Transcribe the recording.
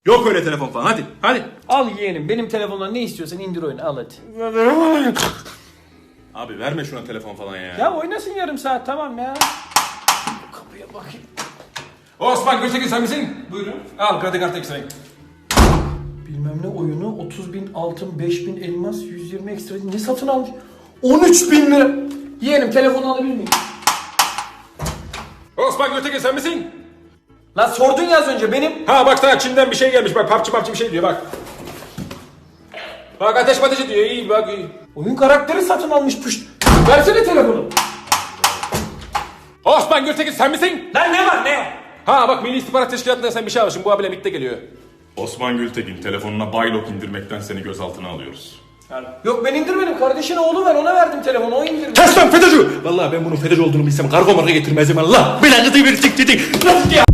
Yok öyle telefon falan, hadi hadi. Al yeğenim, benim telefondan ne istiyorsan indir oyunu, al hadi. Abi verme şuna telefon falan ya. Ya oynasın yarım saat, tamam ya. Kapıya bakayım. Osman Gültekin sen misin? Buyurun. Al kredi kartı ekstrayı. Bilmem ne oyunu, 30.000 altın, 5.000 elmas, 120 ekstra ne satın almış? 13.000 lira. Yeğenim telefonu alabilir miyim? Osman Gültekin sen misin? Lan sordun ya az önce, benim. Ha bak sana Çin'den bir şey gelmiş bak PUBG bir şey diyor bak. Bak ateş patıcı diyor iyi bak iyi. Oyun karakteri satın almış püşt. Versene telefonu. Osman Gültekin sen misin? Lan ne var ne? Ha bak Milli İstihbarat Teşkilatı'ndan sen bir şey almışsın bu abiyle birlikte geliyor. Osman Gültekin, telefonuna Baylok indirmekten seni gözaltına alıyoruz. Yok ben indirmedim, kardeşin oğlu var, ona verdim telefonu, o indirdi. Kes lan FETÖ'cü! Vallahi ben bunun FETÖ'cü olduğunu bilsem kargo marka getirmezdim Allah. Belanızı verecek dedik. Nasıl ya?